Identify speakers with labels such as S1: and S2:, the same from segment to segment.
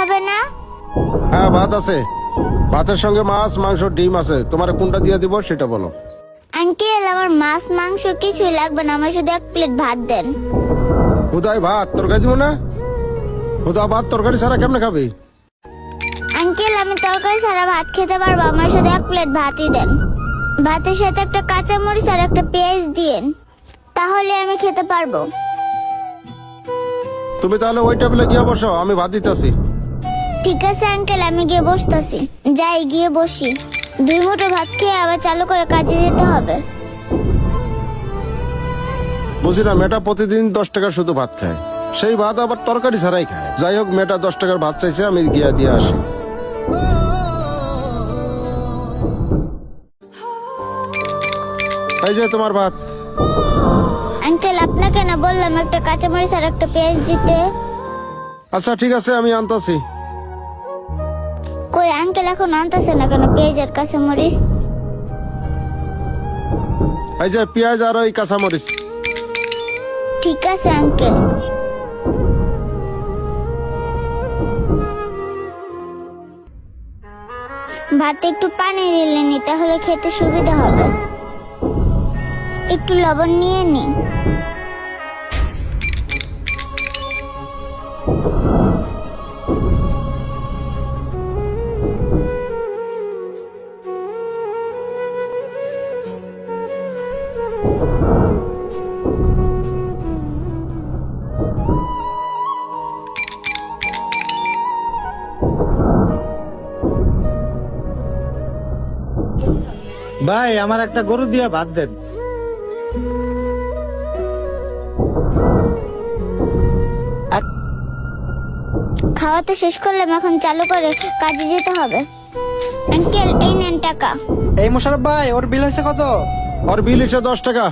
S1: হবে না?
S2: হ্যাঁ ভাত আছে, ভাতের সঙ্গে মাছ মাংস ডিম আছে, তোমার কোনটা দিয়ে দিব সেটা বলো।
S1: আঙ্কেল, আমার মাছ মাংস কিছুই লাগবে না, আমার শুধু 1 প্লেট ভাত দেন।
S2: হুদাই ভাত তরকারি দিব না? হুদা ভাত তরকারি ছাড়া কেমনে খাবি?
S1: আঙ্কেল, আমি তরকারি ছাড়া ভাত খেতে পারবো, আমার শুধু 1 প্লেট ভাতই দেন। ভাতের সাথে একটা কাঁচা মরিচ আর একটা পেঁয়াজ দিয়েন, তাহলে আমি খেতে পারবো।
S2: তুমি তাহলে ওই টেবিলে গিয়ে বসো, আমি ভাত দিতেছি।
S1: ঠিক আছে আঙ্কেল, আমি গিয়ে বসতেছি। যাই গিয়ে বসি। 2 মুঠো ভাত খেয়ে আবার চালু করে কাজে যেতে হবে।
S2: বুঝি না, মেয়েটা প্রতিদিন 10 টাকা শুধু ভাত খায়, সেই ভাত আবার তরকারি ছাড়াই খায়। যাই হোক, মেয়েটা 10 টাকার ভাত চাইছে, আমি গিয়ে দিয়ে আসি। এই যে তোমার ভাত।
S1: আঙ্কেল, আপনাকে না বললাম একটা কাঁচা মরিচ আর একটা পেঁয়াজ দিতে?
S2: আচ্ছা ঠিক আছে, আমি আনতাছি।
S1: কই আঙ্কেল, এখন আনতেছে না কেন পেঁয়াজ আর কাঁচা মরিচ?
S2: এই যে পেঁয়াজ আর ওই কাঁচামরিচ।
S1: ঠিক আছে আঙ্কেল। ভাতে একটু পানি ঢেলে নি, তাহলে খেতে সুবিধা হবে। একটু লবণ নিয়ে নি।
S3: ভাই, আমার একটা গরু দিয়ে ভাত দেন।
S1: খাওয়াতে শেষ করলাম, এখন চালু করে কাজে যেতে হবে। আঙ্কেল, এই নেন টাকা।
S4: এই মোশারফ ভাই, ওর বিল হয়েছে কত?
S2: ওর বিল এসে 10 টাকা।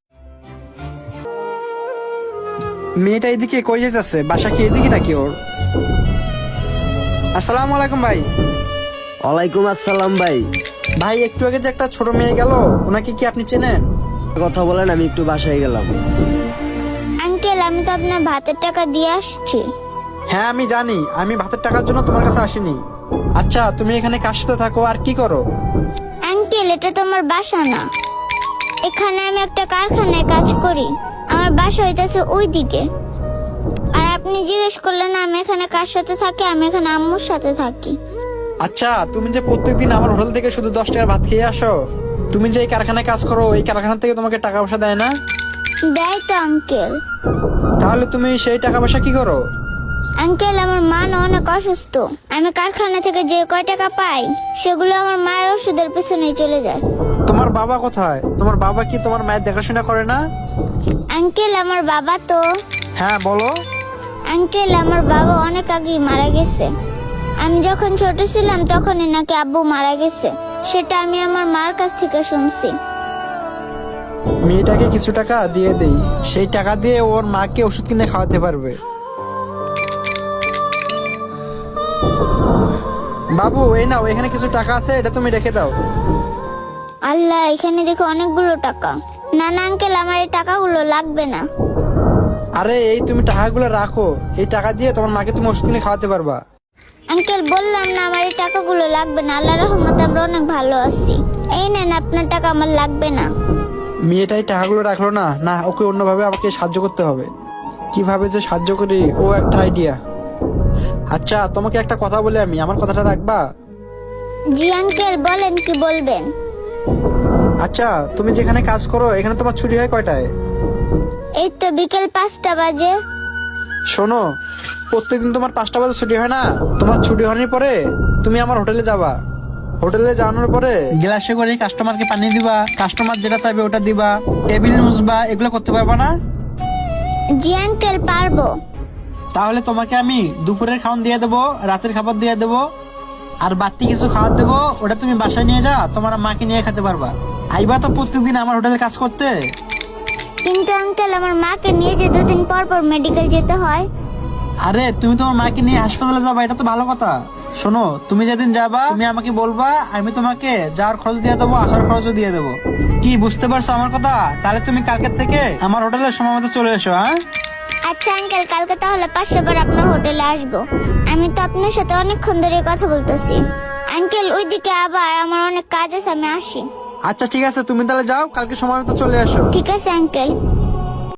S4: মেয়েটা এদিকে কই যেতেছে? বাসা কি এদিকে নাকি ওর? আসসালামু আলাইকুম ভাই।
S3: ওয়ালাইকুম আসসালাম ভাই।
S4: ভাই, একটু আগে যে একটা ছোট মেয়ে গেল, ওনাকে কি আপনি চেনেন?
S3: কথা বলেন, আমি একটু বাসায় গেলাম।
S1: আঙ্কেল, আমি তো আপনার ভাতের টাকা দিয়ে আসছি।
S4: হ্যাঁ আমি জানি, আমি ভাতের টাকার জন্য তোমার কাছে আসিনি। আচ্ছা, তুমি এখানে কার সাথে থাকো আর কি করো?
S1: আঙ্কেল, এটা তো আমার বাসা না, এখানে আমি একটা কারখানায় কাজ করি। আমার বাসা হইতেছে ওইদিকে। আর আপনি জিজ্ঞেস করলেন আমি এখানে কার সাথে থাকি, আমি এখানে আম্মুর সাথে থাকি।
S4: আচ্ছা, তুমি যে প্রত্যেকদিন আমার হোটেল থেকে শুধু 10 টাকার ভাত খেয়ে আসো, তুমি যে এই কারখানায় কাজ করো, এই কারখানা থেকে তোমাকে টাকা পয়সা দেয় না?
S1: দেয় তো আঙ্কেল।
S4: তাহলে তুমি সেই টাকা পয়সা কি করো?
S1: আঙ্কেল, আমার মা না অনেক অসুস্থ, আমি কারখানা থেকে যে কয় টাকা পাই সেগুলো আমার মায়ের ওষুধের পেছনেই চলে যায়।
S4: তোমার বাবা কোথায়? তোমার বাবা কি তোমার মায়ের দেখাশোনা করে না?
S1: আঙ্কেল, আমার বাবা তো।
S4: হ্যাঁ বলো।
S1: আঙ্কেল, আমার বাবা অনেক আগেই মারা গেছে। আমি যখন ছোট ছিলাম তখনই নাকি আব্বু মারা গেছে, সেটা আমি আমার মার কাছ থেকে শুনছি।
S4: মেয়েটাকে কিছু টাকা দিয়ে দেই, সেই টাকা দিয়ে ওর মাকে ওষুধ কিনে খাওয়াতে পারবে। বাবু, এই নাও, এখানে কিছু টাকা আছে, এটা তুমি রেখে দাও।
S1: আল্লাহ, এখানে দেখো অনেকগুলো টাকা। না না আঙ্কেল, আমার এই টাকাগুলো লাগবে না।
S4: আরে এই তুমি টাকাগুলো রাখো, এই টাকা দিয়ে তোমার মাকে তুমি ওষুধ কিনে খাওয়াতে পারবা।
S1: আঙ্কেল, বললাম না আমার এই টাকাগুলো লাগবে না, আল্লাহর রহমতে আমরা অনেক ভালো আছি। এই নেন আপনার টাকা, আমার লাগবে না।
S4: মেয়েটাই টাকাগুলো রাখলো না, না ওকে অন্যভাবে আমাকে সাহায্য করতে হবে। কিভাবে যে সাহায্য করি, ও একটা আইডিয়া। আচ্ছা, তোমাকে একটা কথা বলে, আমি আমার কথাটা রাখবা?
S1: জি আঙ্কেল, বলেন কি বলবেন।
S4: আচ্ছা, তুমি যেখানে কাজ করো, এখানে তোমার ছুটি হয় কয়টায়?
S1: এই তো বিকেল 5টা বাজে।
S4: শোনো, প্রত্যেকদিন তোমার 5টা বাজে ছুটি হয় না? তোমার ছুটি হওয়ার পরে তুমি আমার হোটেলে যাবা। হোটেলে যাওয়ানোর পরে গ্লাসে করে কাস্টমারকে পানি দিবা, কাস্টমার যেটা চাইবে ওটা দিবা, টেবিল মুছবা, এগুলো করতে পারবা না?
S1: জি আঙ্কেল, পারবো।
S4: তাহলে তোমাকে আমি দুপুরের খাওয়ান দিয়ে দেবো, রাতের খাবার দিয়ে দেবো, আর বাড়তি কিছু খাবার দেবো, ওটা তুমি বাসায় নিয়ে যা, তোমার মাকে নিয়ে খেতে পারবা। আইবা তো প্রত্যেকদিন আমার হোটেলে কাজ করতে?
S1: কিন্তু আঙ্কেল, আমার মাকে নিয়ে যে 2 দিন পর পর মেডিকেল যেতে হয়।
S4: আরে তুমি তোমার মাকে নিয়ে হাসপাতালে যাবা, এটা তো ভালো কথা। শোনো, তুমি যেদিন যাবা তুমি আমাকে বলবা, আমি তোমাকে যাওয়ার খরচ দিয়ে দেবো, আসার খরচও দিয়ে দেবো। কি বুঝতে পারছো আমার কথা? তাহলে তুমি কালকের থেকে আমার হোটেলে সময় মতো চলে এসো। হ্যাঁ
S1: আচ্ছা আঙ্কেল, কালকে তাহলে 5টা বার আপনার হোটেলে আসবো। আমি তো আপনার সাথে অনেকক্ষণ ধরে কথা বলতেছি। আঙ্কেল, ওইদিকে আবার আমার অনেক কাজ আছে, আমি আসি।
S4: আচ্ছা ঠিক আছে, তুমি তাহলে যাও, কালকে সময় মতো চলে আসো।
S1: ঠিক আছে আঙ্কেল।